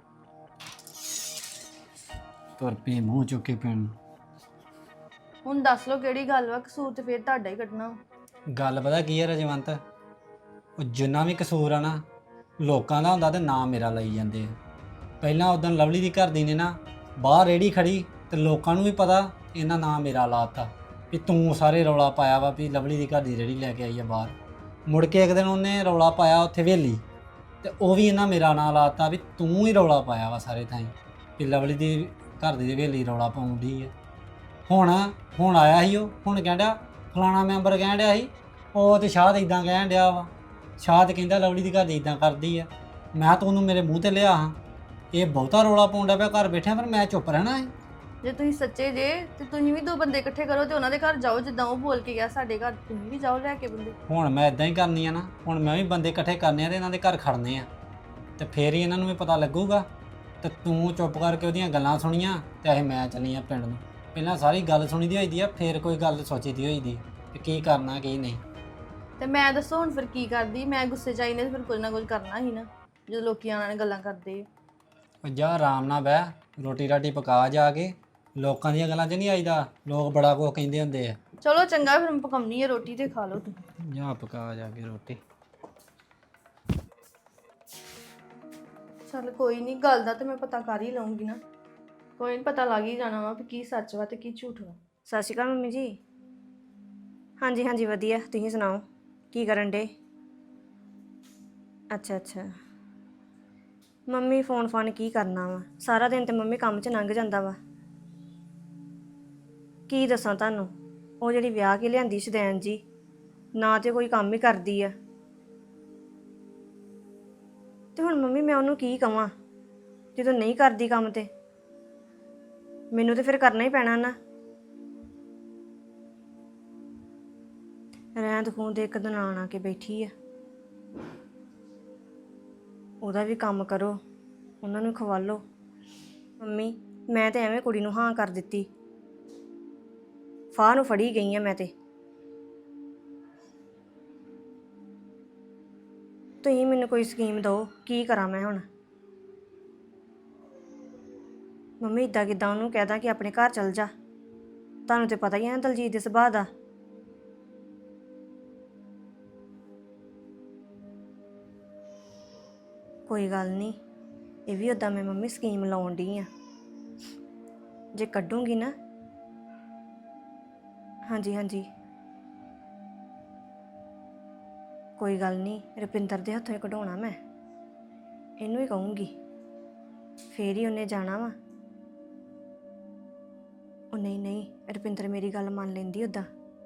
ਤੁਰ ਪਈ ਮੂੰਹ ਚੁੱਕ ਕੇ ਪਿੰਡ। ਹੁਣ ਦੱਸ ਲਓ ਕਿਹੜੀ ਗੱਲ ਵਾ। ਕਸੂਰ ਤੇ ਫੇਰ ਤੁਹਾਡਾ ਹੀ ਕੱਢਣਾ ਵਾ। ਗੱਲ ਪਤਾ ਕੀ ਹੈ ਰਜਵੰਤ, ਉਹ ਜਿੰਨਾ ਵੀ ਕਸੂਰ ਆ ਨਾ ਲੋਕਾਂ ਦਾ ਹੁੰਦਾ ਤੇ ਨਾਂ ਮੇਰਾ ਲਈ ਜਾਂਦੇ ਆ। ਪਹਿਲਾਂ ਉਦੋਂ ਲਵਲੀ ਦੀ ਘਰ ਦੀ ਨੇ ਨਾ ਬਾਹਰ ਰੇੜੀ ਖੜੀ ਤੇ ਲੋਕਾਂ ਨੂੰ ਵੀ ਪਤਾ, ਇਹਨਾਂ ਨਾਂ ਮੇਰਾ ਲਾਤਾ ਵੀ ਤੂੰ ਸਾਰੇ ਰੌਲਾ ਪਾਇਆ ਵਾ ਵੀ ਲਵਲੀ ਦੀ ਘਰ ਦੀ ਰੇੜੀ ਲੈ ਕੇ ਆਈ ਆ ਬਾਹਰ। ਮੁੜ ਕੇ ਇੱਕ ਦਿਨ ਉਹਨੇ ਰੌਲਾ ਪਾਇਆ ਉੱਥੇ ਹਵੇਲੀ, ਤੇ ਉਹ ਵੀ ਇਹਨਾਂ ਮੇਰਾ ਨਾਂ ਲਾਤਾ ਵੀ ਤੂੰ ਹੀ ਰੌਲਾ ਪਾਇਆ ਵਾ ਸਾਰੇ ਥਾਈਂ ਵੀ ਲਵਲੀ ਦੀ ਘਰ ਦੀ ਹਵੇਲੀ ਰੌਲਾ ਪਾਉਂਦੀ ਆ। ਹੁਣ ਹੁਣ ਆਇਆ ਸੀ ਉਹ, ਹੁਣ ਕਹਿੰਦਾ ਫਲਾਣਾ ਮੈਂਬਰ ਕਹਿਣ ਡਿਆ ਸੀ, ਉਹ ਤੇ ਸ਼ਾਹ ਇਦਾਂ ਕਹਿਣ ਡਿਆ ਵਾ, ਸ਼ਾਹ ਤੇ ਕਹਿੰਦਾ ਲਵਲੀ ਦੀ ਘਰ ਦੀ ਇਦਾਂ ਕਰਦੀ ਆ। ਮੈਂ ਤਾਂ ਉਹਨੂੰ ਮੇਰੇ ਮੂੰਹ ਤੇ ਲਿਆ ਹਾਂ, ਇਹ ਬਹੁਤਾ ਰੋਲਾ ਪਾਉਂਦਾ ਪਿਆ ਘਰ ਬੈਠਿਆਂ, ਪਰ ਮੈਂ ਚੁੱਪ ਰਹਿਣਾ ਹੈ। ਜੇ ਤੁਸੀਂ ਸੱਚੇ ਜੇ ਤੇ ਤੁਸੀਂ ਵੀ 2 ਬੰਦੇ ਇਕੱਠੇ ਕਰੋ ਤੇ ਉਹਨਾਂ ਦੇ ਘਰ ਜਾਓ, ਜਿੱਦਾਂ ਉਹ ਬੋਲ ਕੇ ਗਿਆ ਸਾਡੇ ਘਰ, ਤੁਸੀਂ ਵੀ ਜਾਓ ਲੈ ਕੇ ਬੰਦੇ। ਹੁਣ ਮੈਂ ਇਦਾਂ ਹੀ ਕਰਨੀ ਆ ਨਾ, ਹੁਣ ਮੈਂ ਵੀ ਬੰਦੇ ਇਕੱਠੇ ਕਰਨੇ ਆ ਤੇ ਇਹਨਾਂ ਦੇ ਘਰ ਖੜਨੇ ਆ, ਤੇ ਫੇਰ ਹੀ ਇਹਨਾਂ ਨੂੰ ਵੀ ਪਤਾ ਲੱਗੂਗਾ। ਤੇ ਤੂੰ ਚੁੱਪ ਕਰਕੇ ਉਹਦੀਆਂ ਗੱਲਾਂ ਸੁਣੀਆਂ ਤੇ ਇਹ ਮੈਂ ਚੱਲੀ ਆ ਪਿੰਡ ਨੂੰ। ਪਹਿਲਾਂ ਸਾਰੀ ਗੱਲ ਸੁਣੀ ਦੀ ਹੋਈਦੀ ਆ, ਫੇਰ ਕੋਈ ਗੱਲ ਸੋਚੀ ਦੀ ਹੋਈਦੀ ਕਿ ਕੀ ਕਰਨਾ ਕੀ ਨਹੀਂ। ਤੇ ਮੈਂ ਦੱਸੋ ਹੁਣ ਫਿਰ ਕੀ ਕਰਦੀ, ਮੈਂ ਗੁੱਸੇ 'ਚ ਆਈ ਨੇ ਤੇ ਫਿਰ ਕੁਝ ਨਾ ਕੁਝ ਕਰਨਾ ਹੀ ਨਾ, ਜਦੋਂ ਲੋਕੀ ਆਉਣ ਨਾਲ ਗੱਲਾਂ ਕਰਦੇ ਆ। ਉਹ ਜਾ ਆਰਾਮ ਨਾਲ ਬਹਿ, ਰੋਟੀ ਰਾਟੀ ਪਕਾ ਜਾ ਕੇ, ਲੋਕਾਂ ਦੀਆਂ ਗੱਲਾਂ 'ਚ ਨਹੀਂ ਆਈਦਾ, ਲੋਕ ਬੜਾ ਕੁਝ ਕਹਿੰਦੇ ਹੁੰਦੇ ਆ। ਚਲੋ ਚੰਗਾ, ਫਿਰ ਮੈਂ ਪਕਾਉਣੀ ਹੈ ਰੋਟੀ ਤੇ ਖਾ ਲਓ ਤੁਸੀਂ। ਜਾ ਪਕਾ ਜਾ ਕੇ ਰੋਟੀ। ਚੱਲ ਕੋਈ ਨਹੀਂ, ਗੱਲ ਦਾ ਤੇ ਮੈਂ ਪਤਾ ਕਰ ਹੀ ਲਵਾਂਗੀ ਨਾ, ਕੋਈ ਨਹੀਂ ਪਤਾ ਲੱਗ ਹੀ ਜਾਣਾ ਵਾ ਵੀ ਕੀ ਸੱਚ ਵਾ ਤੇ ਕੀ ਝੂਠ ਵਾ। ਸਤਿ ਸ਼੍ਰੀ ਅਕਾਲ ਮੰਮੀ ਜੀ। ਹਾਂਜੀ ਹਾਂਜੀ ਵਧੀਆ, ਤੁਸੀਂ ਸੁਣਾਓ ਕੀ ਕਰਨ ਡੇ? ਅੱਛਾ ਅੱਛਾ ਮੰਮੀ, ਫੋਨ ਫਾਨ ਕੀ ਕਰਨਾ ਵਾ, ਸਾਰਾ ਦਿਨ ਤੇ ਮੰਮੀ ਕੰਮ 'ਚ ਲੰਘ ਜਾਂਦਾ ਵਾ। ਕੀ ਦੱਸਾਂ ਤੁਹਾਨੂੰ, ਉਹ ਜਿਹੜੀ ਵਿਆਹ ਕੇ ਲਿਆਂਦੀ ਸ਼ਦੈਨ ਜੀ, ਨਾ ਤੇ ਕੋਈ ਕੰਮ ਹੀ ਕਰਦੀ ਆ, ਤੇ ਹੁਣ ਮੰਮੀ ਮੈਂ ਉਹਨੂੰ ਕੀ ਕਵਾਂ ਜਦੋਂ ਨਹੀਂ ਕਰਦੀ ਕੰਮ? ਤੇ ਮੈਨੂੰ ਤੇ ਫਿਰ ਕਰਨਾ ਹੀ ਪੈਣਾ ਨਾ। ਰਹਿੰਦ ਖੂੰਦ ਇੱਕ ਦਿਨ ਆ ਕੇ ਬੈਠੀ ਆ, ਉਹਦਾ ਵੀ ਕੰਮ ਕਰੋ, ਉਹਨਾਂ ਨੂੰ ਖਵਾਲੋ। ਮੰਮੀ ਮੈਂ ਤੇ ਐਵੇਂ ਕੁੜੀ ਨੂੰ ਹਾਂ ਕਰ ਦਿੱਤੀ, ਫਾਹ ਨੂੰ ਫੜੀ ਗਈ ਆ ਮੈਂ ਤੇ। ਤੁਸੀਂ ਮੈਨੂੰ ਕੋਈ ਸਕੀਮ ਦਿਓ, ਕੀ ਕਰਾਂ ਮੈਂ ਹੁਣ? ਮੰਮੀ ਇੱਦਾਂ ਕਿੱਦਾਂ ਉਹਨੂੰ ਕਹਿ ਦਾਂ ਕਿ ਆਪਣੇ ਘਰ ਚਲ ਜਾ? ਤੁਹਾਨੂੰ ਤੇ ਪਤਾ ਹੀ ਹੈ ਦਲਜੀਤ ਦੇ ਸੁਭਾਅ ਦਾ। ਕੋਈ ਗੱਲ ਨਹੀਂ, ਇਹ ਵੀ ਉੱਦਾਂ ਮੈਂ ਮੰਮੀ ਸਕੀਮ ਲਾਉਣ ਡਈ ਆ, ਜੇ ਕੱਢੂੰਗੀ ਨਾ। ਹਾਂਜੀ ਹਾਂਜੀ ਕੋਈ ਗੱਲ ਨਹੀਂ, ਰੁਪਿੰਦਰ ਦੇ ਹੱਥੋਂ ਹੀ ਕਢਾਉਣਾ ਮੈਂ, ਇਹਨੂੰ ਹੀ ਕਹੂੰਗੀ, ਫੇਰ ਹੀ ਉਹਨੇ ਜਾਣਾ ਵਾ। ਉਹ ਨਹੀਂ ਨਹੀਂ, ਰੁਪਿੰਦਰ ਮੇਰੀ ਗੱਲ ਮੰਨ ਲੈਂਦੀ ਉੱਦਾਂ,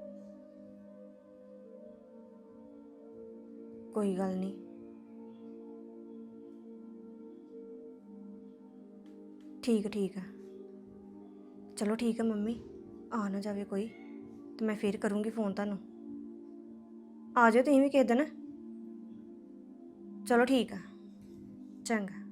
ਕੋਈ ਗੱਲ ਨਹੀਂ। ਠੀਕ ਆ, ਚਲੋ ਠੀਕ ਆ ਮੰਮੀ, ਆ ਨਾ ਜਾਵੇ ਕੋਈ, ਤੇ ਮੈਂ ਫੇਰ ਕਰੂੰਗੀ ਫੋਨ ਤੁਹਾਨੂੰ। ਆ ਜਾਓ ਤੁਸੀਂ ਵੀ ਕਿਸੇ ਦਿਨ। ਚਲੋ ਠੀਕ ਆ, ਚੰਗਾ।